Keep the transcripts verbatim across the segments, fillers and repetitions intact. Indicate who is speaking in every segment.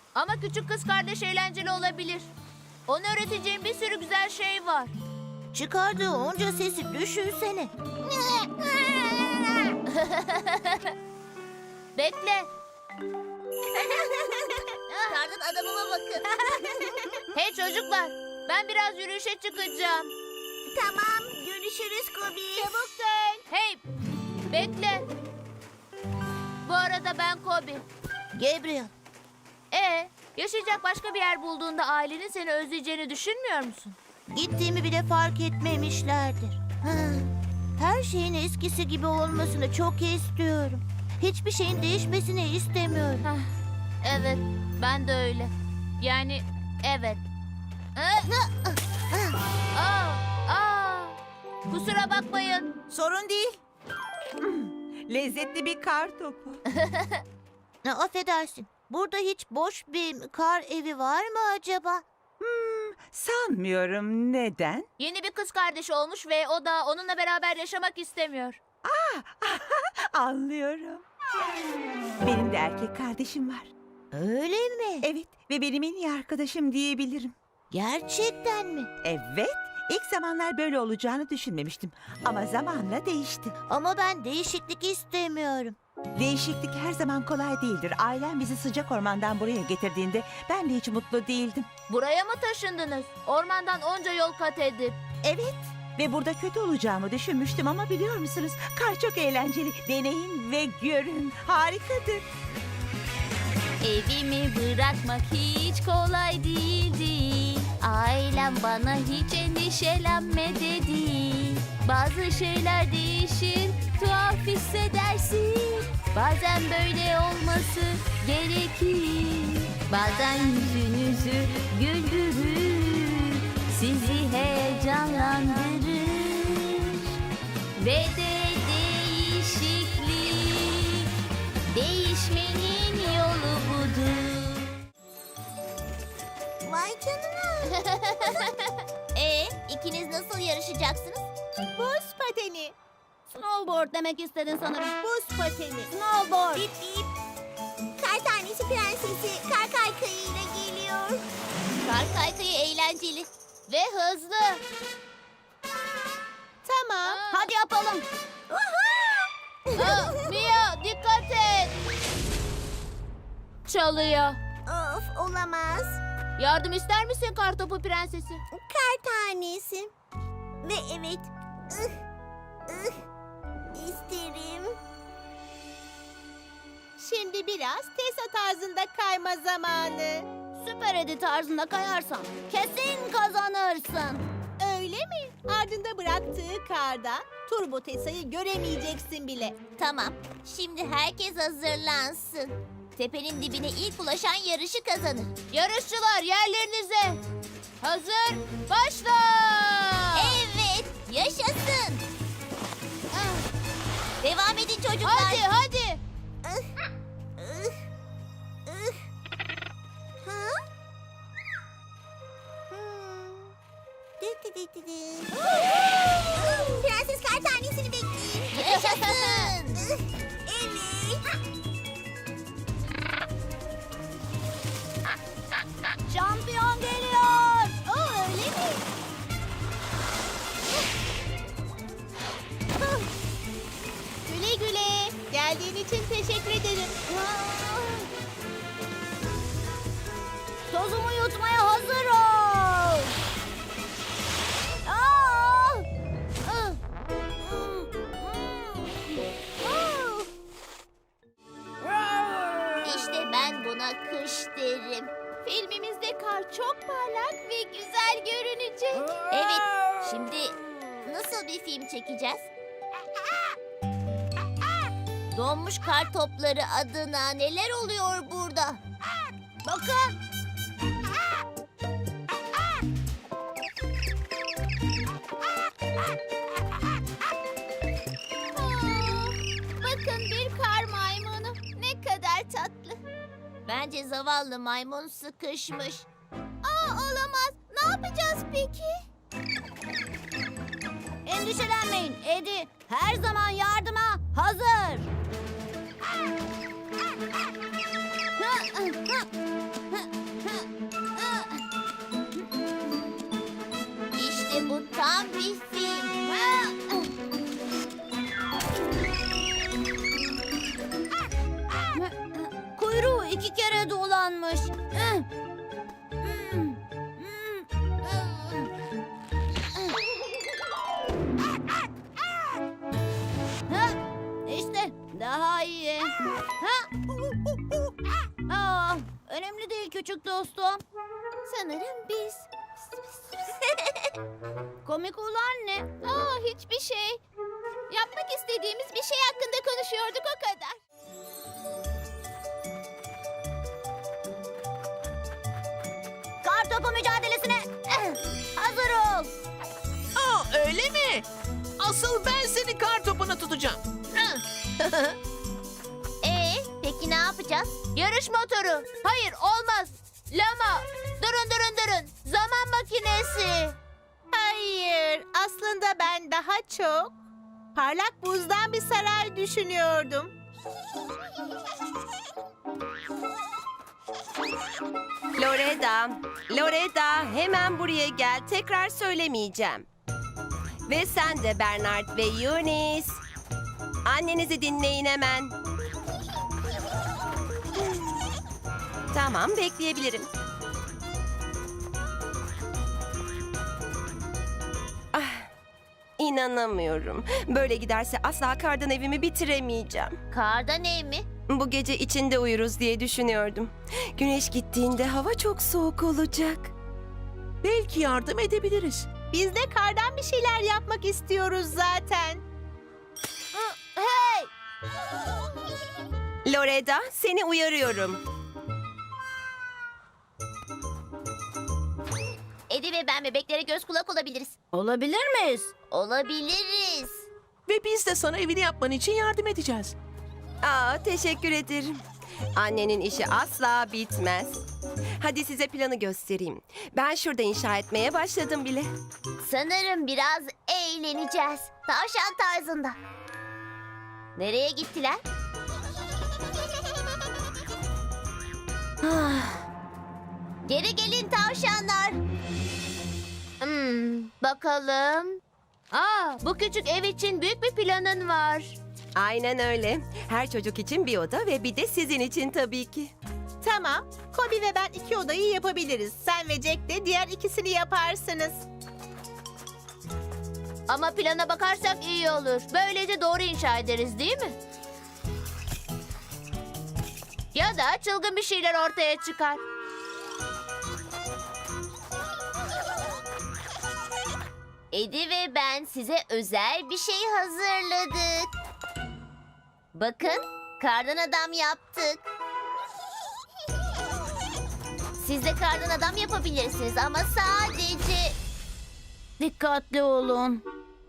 Speaker 1: Ama küçük kız kardeş eğlenceli olabilir. Ona öğreteceğim bir sürü güzel şey var.
Speaker 2: Çıkardığı onca sesi düşünsene.
Speaker 1: Bekle.
Speaker 2: Kardan adamıma bakın.
Speaker 1: Hey çocuklar, ben biraz yürüyüşe çıkacağım.
Speaker 2: Tamam, görüşürüz Kobi.
Speaker 1: Çabuk dön. Hey, bekle. Bu arada ben Kobi.
Speaker 2: Gabriel.
Speaker 1: Ee, yaşayacak başka bir yer bulduğunda ailenin seni özleyeceğini düşünmüyor musun?
Speaker 2: Gittiğimi bile fark etmemişlerdir. Ha, Her şeyin eskisi gibi olmasını çok istiyorum. Hiçbir şeyin değişmesini istemiyorum.
Speaker 1: Hah, evet, ben de öyle. Yani evet. Ee, aa, aa, kusura bakmayın.
Speaker 2: Sorun değil.
Speaker 3: Lezzetli bir kar topu.
Speaker 2: Ne affedersin. Burada hiç boş bir kar evi var mı acaba?
Speaker 3: Hmm, sanmıyorum. Neden?
Speaker 1: Yeni bir kız kardeşi olmuş ve o da onunla beraber yaşamak istemiyor.
Speaker 3: Anlıyorum. Benim de erkek kardeşim var.
Speaker 2: Öyle mi?
Speaker 3: Evet ve benim en iyi arkadaşım diyebilirim.
Speaker 2: Gerçekten mi?
Speaker 3: Evet, ilk zamanlar böyle olacağını düşünmemiştim. Ama zamanla değişti.
Speaker 2: Ama ben değişiklik istemiyorum.
Speaker 3: Değişiklik her zaman kolay değildir. Ailem bizi sıcak ormandan buraya getirdiğinde ben de hiç mutlu değildim.
Speaker 1: Buraya mı taşındınız? Ormandan onca yol kat edip.
Speaker 3: Evet ve burada kötü olacağımı düşünmüştüm ama biliyor musunuz? Kar çok eğlenceli. Deneyin ve görün. Harikadır.
Speaker 1: Evimi bırakmak hiç kolay değildi. Ailem bana hiç endişelenme dedi. Bazı şeyler değişir, tuhaf hissedersin. Bazen böyle olması gerekir. Bazen yüzünüzü güldürür, sizi heyecanlandırır. Ve de değişiklik, değişmenin yolu budur.
Speaker 2: Vay canına.
Speaker 1: E, ikiniz nasıl yarışacaksınız?
Speaker 2: Buz pateni.
Speaker 1: Snowboard demek istedin sanırım.
Speaker 2: Buz pateni.
Speaker 1: Snowboard.
Speaker 2: Bip bip. Kar tanesi prensesi kar kaykayıyla geliyor.
Speaker 1: Kar kaykayı eğlenceli ve hızlı.
Speaker 2: Tamam.
Speaker 1: Aa.
Speaker 2: Hadi yapalım.
Speaker 1: Aa, Mia dikkat et. Çalıyor.
Speaker 2: Of olamaz.
Speaker 1: Yardım ister misin kartopu prensesi?
Speaker 2: Kar tanesi. Ve evet. ıh, ıh, isterim. Şimdi biraz Tesa tarzında kayma zamanı.
Speaker 1: Süper Edi tarzında kayarsan kesin kazanırsın.
Speaker 2: Öyle mi? Ardında bıraktığı karda Turbo Tesa'yı göremeyeceksin bile.
Speaker 4: Tamam. Şimdi herkes hazırlansın. Tepenin dibine ilk ulaşan yarışı kazanır.
Speaker 1: Yarışçılar yerlerinize. Hazır, başla.
Speaker 4: Evet, yaşasın. Devam edin çocuklar.
Speaker 1: Hadi hadi.
Speaker 2: Ha? Hmm. Dı dı dı dı dı. Prenses kar tanesini bekleyin.
Speaker 4: Yaşasın.
Speaker 2: Evet.
Speaker 1: Şampiyon geliyor.
Speaker 2: Aa, öyle mi? Güle güle. Geldiğin için teşekkür ederim.
Speaker 1: Tozumu yutmaya hazır ol. Aa! Ah!
Speaker 4: İşte ben buna kış derim.
Speaker 1: Filmimizde kar çok parlak ve güzel görünecek.
Speaker 4: Evet, şimdi nasıl bir film çekeceğiz? Donmuş kar topları adına neler oluyor burada?
Speaker 1: Bakın.
Speaker 4: Bakın bir kar maymunu. Ne kadar tatlı. Bence zavallı maymun sıkışmış. Aa, olamaz. Ne yapacağız peki?
Speaker 1: Endişelenmeyin. Edi her zaman yardıma hazır.
Speaker 4: Kuyruğu iki kere dolanmış. Ha, işte daha iyi. Ha? Aa, önemli değil küçük dostum. Sanırım biz. Komik olan ne? Aa, hiçbir şey. Yapmak istediğimiz bir şey hakkında konuşuyorduk o kadar. Kartopu mücadelesine eh, hazır ol.
Speaker 5: Aa, öyle mi? Asıl ben seni kar topuna tutacağım.
Speaker 4: Ee, peki ne yapacağız?
Speaker 1: Yarış motoru. Hayır, olmaz. Lama. Durun durun durun. Zaman makinesi.
Speaker 3: Hayır, aslında ben daha çok parlak buzdan bir saray düşünüyordum.
Speaker 6: Loreda, Loreda hemen buraya gel. Tekrar söylemeyeceğim. Ve sen de Bernard ve Eunice. Annenizi dinleyin hemen. Tamam, bekleyebilirim. Ah, inanamıyorum. Böyle giderse asla kardan evimi bitiremeyeceğim.
Speaker 4: Kardan ev mi?
Speaker 6: Bu gece içinde uyuruz diye düşünüyordum. Güneş gittiğinde hava çok soğuk olacak.
Speaker 5: Belki yardım edebiliriz.
Speaker 3: Biz de kardan bir şeyler yapmak istiyoruz zaten.
Speaker 4: Hey!
Speaker 6: Loreda, seni uyarıyorum.
Speaker 4: Eddie ve ben bebeklere göz kulak olabiliriz.
Speaker 2: Olabilir miyiz?
Speaker 4: Olabiliriz.
Speaker 5: Ve biz de sana evini yapman için yardım edeceğiz.
Speaker 6: Aa, teşekkür ederim. Annenin işi asla bitmez. Hadi size planı göstereyim. Ben şurada inşa etmeye başladım bile.
Speaker 4: Sanırım biraz eğleneceğiz. Tavşan tarzında. Nereye gittiler? Geri gelin tavşanlar.
Speaker 1: Hmm, bakalım. Aa, bu küçük ev için büyük bir planın var.
Speaker 6: Aynen öyle. Her çocuk için bir oda ve bir de sizin için tabii ki.
Speaker 3: Tamam, Kobi ve ben iki odayı yapabiliriz. Sen ve Jack de diğer ikisini yaparsınız.
Speaker 1: Ama plana bakarsak iyi olur. Böylece doğru inşa ederiz, değil mi? Ya da çılgın bir şeyler ortaya çıkar.
Speaker 4: Eddie ve ben size özel bir şey hazırladık. Bakın, kardan adam yaptık. Siz de kardan adam yapabilirsiniz ama sadece...
Speaker 2: Dikkatli olun.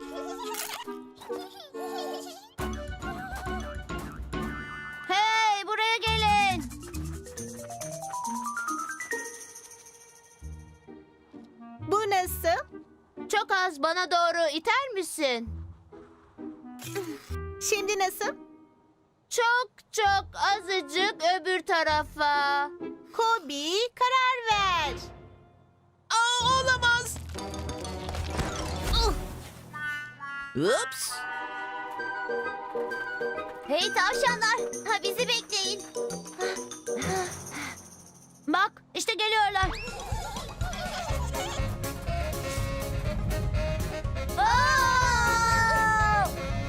Speaker 1: Hey, buraya gelin.
Speaker 3: Bu nasıl?
Speaker 1: Çok az bana doğru iter misin?
Speaker 3: Şimdi nasıl?
Speaker 1: Çok çok azıcık öbür tarafa.
Speaker 3: Kobi, karar ver.
Speaker 5: Aa, olamaz. Ups.
Speaker 4: Hey tavşanlar, ha bizi bekleyin.
Speaker 1: Bak, işte geliyorlar.
Speaker 4: Aa!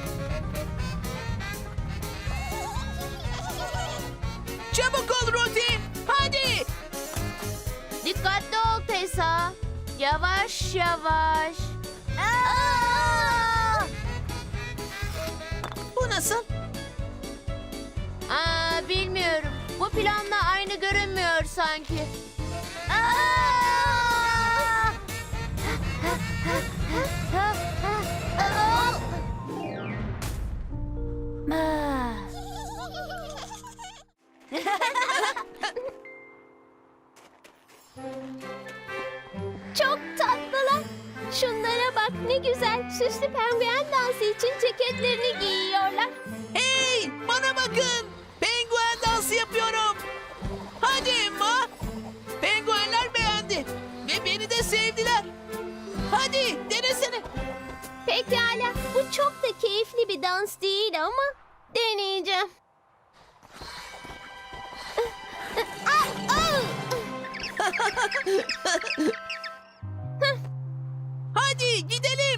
Speaker 5: Çabuk ol Rosie. Hadi.
Speaker 1: Dikkatli ol Tessa. Yavaş yavaş.
Speaker 4: Aa!
Speaker 5: Bu nasıl?
Speaker 1: Aa, bilmiyorum. Bu planla aynı görünmüyor sanki.
Speaker 4: Aa! Aa!
Speaker 1: Ah.
Speaker 4: Çok tatlılar. Şunlara bak ne güzel. Süslü penguen dansı için ceketlerini giyiyorlar.
Speaker 5: Hey, bana bakın. Penguen dansı yapıyorum. Hadi Emma. Penguenler beğendi. Ve beni de sevdiler. Hadi denesene.
Speaker 4: Pekala. Bu çok da keyifli bir dans değil ama deneyeceğim.
Speaker 5: Hadi gidelim.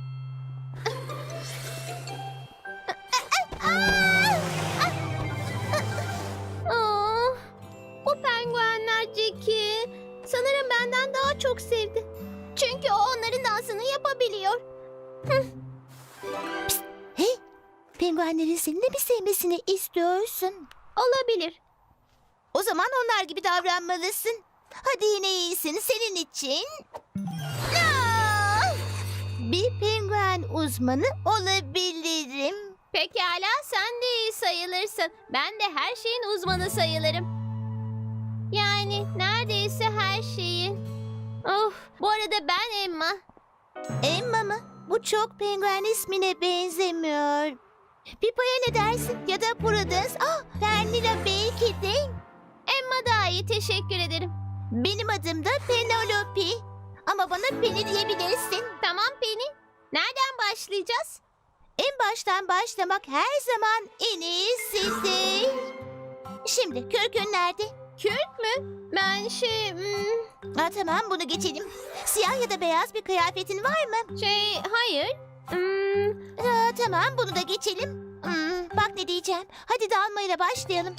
Speaker 4: Aa, bu penguenler Jackie sanırım benden daha çok sevdi. Çünkü o onların dansını yapabiliyor.
Speaker 2: Hey, penguenlerin seni de mi sevmesini istiyorsun?
Speaker 4: Olabilir.
Speaker 2: O zaman onlar gibi davranmalısın. Hadi yine iyisin senin için. Aa! Bir penguen uzmanı olabilirim.
Speaker 4: Pekala sen de iyi sayılırsın. Ben de her şeyin uzmanı sayılırım. Yani neredeyse her şeyin. Of, bu arada ben Emma.
Speaker 2: Emma mı? Bu çok penguen ismine benzemiyor. Pipa'ya ne dersin? Ya da Prudence? Ah, Pernilla belki de.
Speaker 4: Emma daha iyi, teşekkür ederim.
Speaker 2: Benim adım da Penelope. Ama bana Penny diyebilirsin.
Speaker 4: Tamam Penny. Nereden başlayacağız?
Speaker 2: En baştan başlamak her zaman en iyisidir. Şimdi kürkün nerede?
Speaker 4: Kürk mü? Ben şey... hmm,
Speaker 2: Ha, tamam bunu geçelim. Siyah ya da beyaz bir kıyafetin var mı?
Speaker 4: şey, hayır. Hmm,
Speaker 2: Ha, tamam bunu da geçelim. Hmm, bak ne diyeceğim. Hadi dalmayla başlayalım.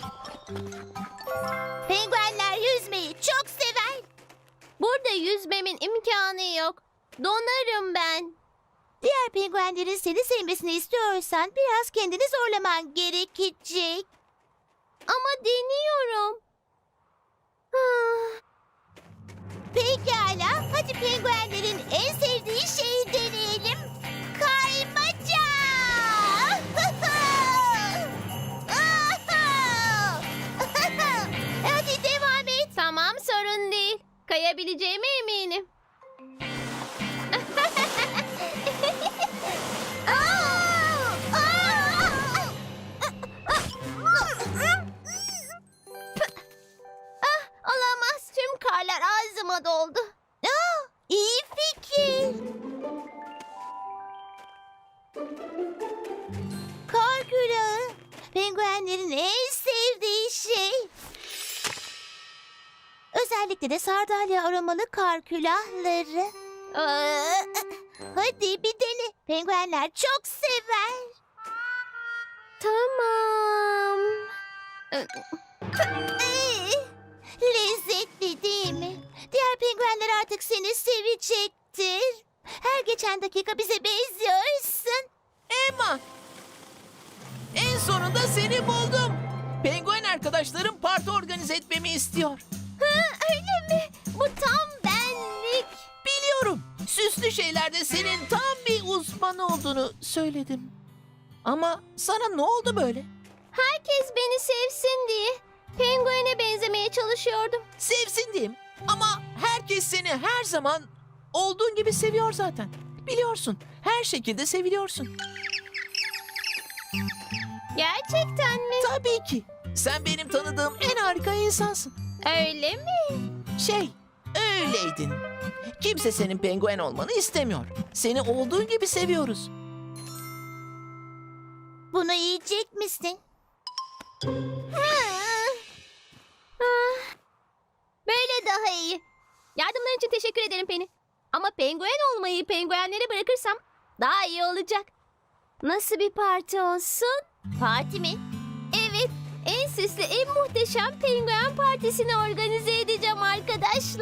Speaker 2: Penguenler yüzmeyi çok sever.
Speaker 4: burada yüzmemin imkanı yok. Donarım ben.
Speaker 2: Diğer penguenlerin seni sevmesini istiyorsan biraz kendini zorlaman gerekecek.
Speaker 4: Ama deniyorum. Ah,
Speaker 2: Pekala, hadi penguenlerin en sevdiği şeyi deneyelim. Kaymaca! Hadi devam et.
Speaker 4: tamam sorun değil. Kayabileceğime eminim. Ah, olamaz. Tüm karlar ağzıma doldu.
Speaker 2: Aa, iyi fikir. Kar külahı. Penguenlerin en sevdiği şey. Özellikle de sardalya aromalı kar külahları.
Speaker 4: Aa,
Speaker 2: Hadi bir dene. Penguenler çok sever.
Speaker 4: tamam.
Speaker 2: Ee, lezzetli değil mi? Diğer penguenler artık seni sevecektir. Her geçen dakika bize benziyorsun.
Speaker 5: Emma. En sonunda seni buldum. Penguen arkadaşlarım parti organize etmemi istiyor.
Speaker 4: Öyle mi? Bu tam benlik.
Speaker 5: Biliyorum. Süslü şeylerde senin tam bir uzman olduğunu söyledim. Ama sana ne oldu böyle?
Speaker 4: Herkes beni sevsin diye penguene benzemeye çalışıyordum.
Speaker 5: Sevsin diyeyim. Ama herkes seni her zaman olduğun gibi seviyor zaten. Biliyorsun. Her şekilde seviliyorsun.
Speaker 4: Gerçekten mi?
Speaker 5: Tabii ki. Sen benim tanıdığım en harika insansın.
Speaker 4: Öyle mi?
Speaker 5: Şey, öyleydin. Kimse senin penguen olmanı istemiyor. Seni olduğun gibi seviyoruz.
Speaker 2: Bunu yiyecek misin?
Speaker 4: Ah, böyle daha iyi. Yardımların için teşekkür ederim Penny. Ama penguen olmayı penguenlere bırakırsam daha iyi olacak. Nasıl bir parti olsun?
Speaker 2: Parti mi?
Speaker 4: Evet, en süslü, en muhteşem penguen partisini organize edeceğim arkadaşlar.